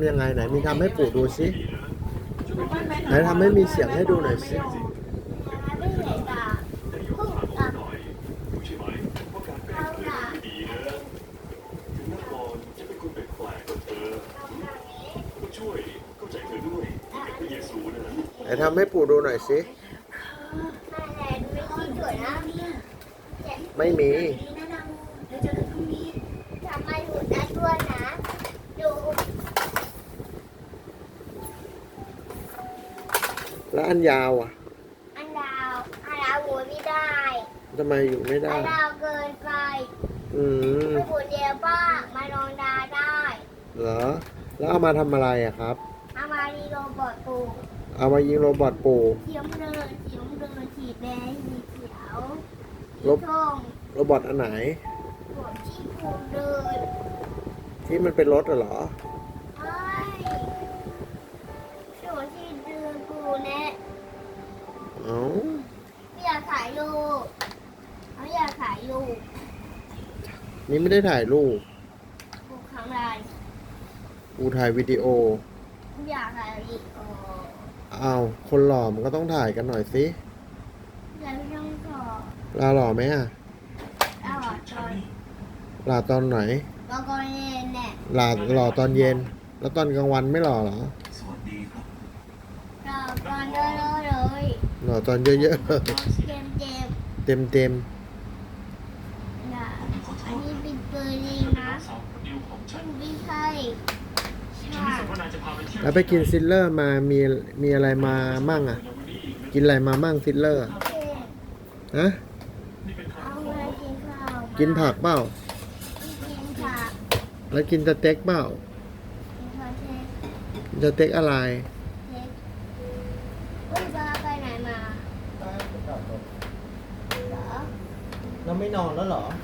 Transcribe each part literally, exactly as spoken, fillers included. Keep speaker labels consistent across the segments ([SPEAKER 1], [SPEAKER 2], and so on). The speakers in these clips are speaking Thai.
[SPEAKER 1] ำยังไงไหนมีทำให้ปู่ดูสิไหนทำให้มีเสียงให้ดูหน่อยสิ
[SPEAKER 2] ไม่เห็นอ่ะพุ่งอ่ะเอาอ่ะ
[SPEAKER 1] ไหนทำให้ปู่ดูหน่อยสิไม่มี
[SPEAKER 2] ทำไมหูได้ด้วยนะดู
[SPEAKER 1] แล้วอันยาวอ่ะ
[SPEAKER 2] อันดาวอันดาวหูไม่ได้
[SPEAKER 1] ทำไมอยู่ไม่ได้
[SPEAKER 2] อันดาวเกินไป
[SPEAKER 1] อืม
[SPEAKER 2] หูเดียวป้ามาลองดาได้
[SPEAKER 1] เหรอแล้วเอามาทำอะไรอะครับ
[SPEAKER 2] เอามาดีโรบอทปู
[SPEAKER 1] เอามายิงโรบอทปู่
[SPEAKER 2] เขียวเดินเขียวเดินฉีดแดงสีเขียว
[SPEAKER 1] โรบโรบอทอันไหน
[SPEAKER 2] หัวที่ปูเดิน
[SPEAKER 1] ที่มันเป็นรถเหรอ
[SPEAKER 2] ใช่หัวที่เดินปูแน่
[SPEAKER 1] เอ้า
[SPEAKER 2] ไม่อยากถ่ายรูปไม่อยากถ่ายรูป
[SPEAKER 1] นี่ไม่ได้ถ่ายรูป
[SPEAKER 2] ปูครั้งไร
[SPEAKER 1] ปู่ถ่ายวิดีโอ
[SPEAKER 2] ไม่อยากถ่ายวิดีโอ
[SPEAKER 1] อ้าวคนหล่อมันก็ต้องถ่ายกันหน่อยสิ
[SPEAKER 2] อยากต้องขอ
[SPEAKER 1] ลาหล่อไหมอะ
[SPEAKER 2] เอาตอน
[SPEAKER 1] ลาตอนไหน
[SPEAKER 2] แล้วก็เย็นเนี่ย
[SPEAKER 1] ลาหล่อตอนเย็นแล้วตอนกลางวันไม่หล่อเหรอ
[SPEAKER 2] สวัสดีครับหล่อตอนเยอะๆเลย
[SPEAKER 1] หล่อตอนเยอะๆ
[SPEAKER 2] เต็มเต็ม
[SPEAKER 1] เต็มเต็ม
[SPEAKER 2] นะอันนี้เป็นปืนเองนะไม่ใช่
[SPEAKER 1] แล้วไปกินซิลเลอร์มามีมีอะไรมามั่งอ่ะกินอะไรมามั่งซิลเลอร์ฮะกินผักเปล่าแล้วกินสเต็กเปล่าสเต็กอะไร
[SPEAKER 2] ไปไหนมา
[SPEAKER 1] เราไม่นอนแล้วเหรอ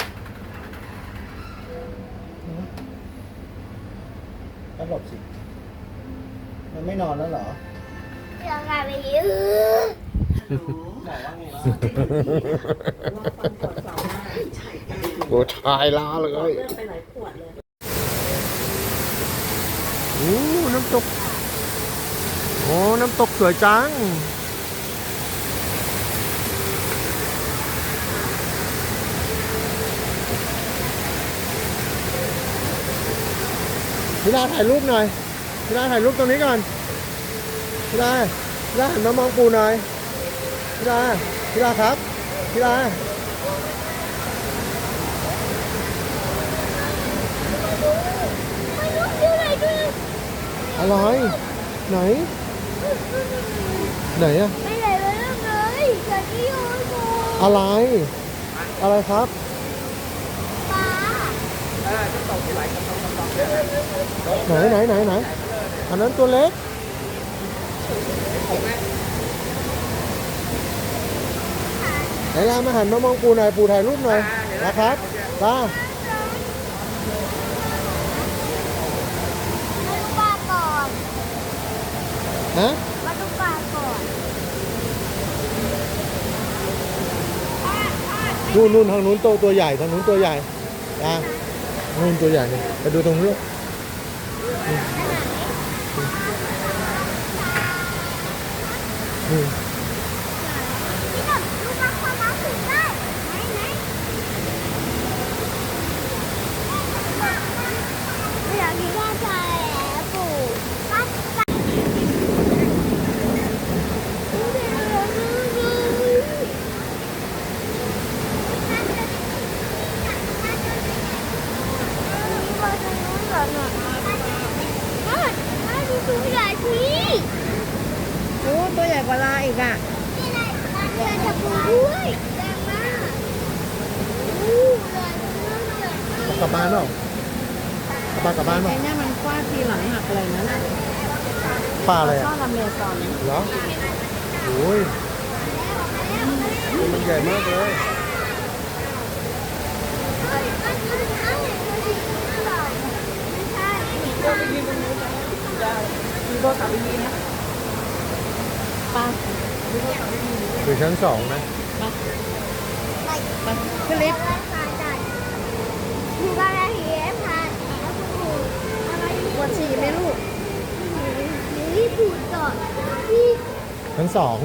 [SPEAKER 1] ก็หลบสิมันไม่นอนแล้วเหรอ
[SPEAKER 2] เรื่องอะไรไปยื้อ
[SPEAKER 1] โอ้ชายล้าเลยโอ้น้ำตกโอ้น้ำตกสวยจังพี่ดาถ่ายรูปหน่อยพี่ดาถ่ายรูปตรงนี้ก่อนพี่ดาพี่ดาหันมามองปูหน่อยพี่ดาพี่ดาครับพี่ดาอะไรไหนไหนอะ
[SPEAKER 2] ไม่ไหนเลยเลยจะที่โยนโม
[SPEAKER 1] อะไรอะไรครับ
[SPEAKER 2] ปลา
[SPEAKER 1] ไหนไหนไหนไหนอันนั้นตัวเล็กไหนล่ะมาหันมามองปูหน่อยปูถ่ายรูปหน่อยนะครับตา
[SPEAKER 2] มาดูปลาก่อน
[SPEAKER 1] ฮะ
[SPEAKER 2] มาดูปลาก่อน
[SPEAKER 1] นู่นนู่นทางนู้นโตตัวใหญ่ทางนู้นตัวใหญ่ตานู่นตัวใหญ่เนี่ยไปดูตรงนู้นอืม
[SPEAKER 2] นี่แบบลูกปลาความรักถึงได้ไหนไหนไม่อยากกินข้าวใจแล้วปู่ปั๊บปั๊บตัวใหญ่ที
[SPEAKER 3] โอ้ตัวใหญ่กว่าลาอีกอ่ะ
[SPEAKER 2] นี่ไงมันเดินจะปูด้วยแรงมากอู้เลยเลย
[SPEAKER 1] กลับบ้านเปล่า กลับบ้านกลับบ้านเปล่า
[SPEAKER 3] ไอ้เนี่ยมันฟาดทีหลังหักอะไรนั่นน่ะ
[SPEAKER 1] ปลาอะไรอ่ะ
[SPEAKER 3] ชอบอเมซอน
[SPEAKER 1] เหรอโอ้ยมันใหญ่มากเลย
[SPEAKER 3] มีโบสามดีนะปลา
[SPEAKER 1] คือชั้นสองนะ
[SPEAKER 3] ไปขึ้นลิฟต์
[SPEAKER 2] ดูบ้านอะไรพาแล้วคุณปู่อะไร
[SPEAKER 3] ปวดฉี่ไหมลูก
[SPEAKER 1] ชั้นสอง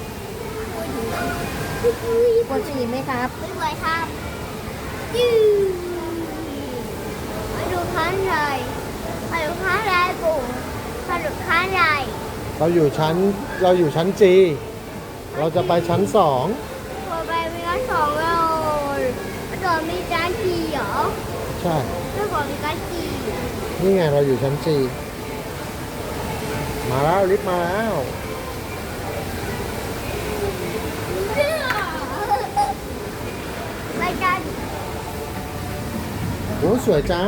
[SPEAKER 3] ปวดฉี่ไหมครับ
[SPEAKER 2] ไม่ไหวครับยืดมาดูข้างในมาดูข้างในปู่มาดูข้างใน
[SPEAKER 1] เราอยู่ชั้นเราอยู่ชั้นจีเราจะไปชั้นสอง
[SPEAKER 2] พอไปมีการสองเราตอนมีการขี่เหรอ
[SPEAKER 1] ใช่
[SPEAKER 2] เมื่อก่อนมีการขี่
[SPEAKER 1] นี่ไงเราอยู่ชั้นจีมาแล้วลิฟต์มาแล้ว
[SPEAKER 2] ไปกัน
[SPEAKER 1] โอ้สวยจัง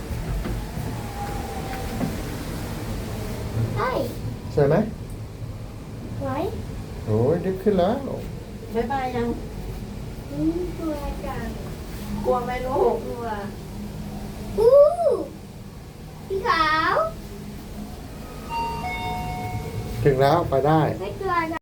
[SPEAKER 2] เฮ้ย
[SPEAKER 1] สวยไหม
[SPEAKER 2] ไหว
[SPEAKER 1] โอ้ยลิฟต์ขึ้นแล้ว
[SPEAKER 3] บ๊ายบายยัง
[SPEAKER 2] อืมตัวจัง
[SPEAKER 3] กลัวไหมลูก
[SPEAKER 2] ตัวอู้พี่ขาว
[SPEAKER 1] ถึงแล้วไปได้
[SPEAKER 2] ไม่ตัวจัง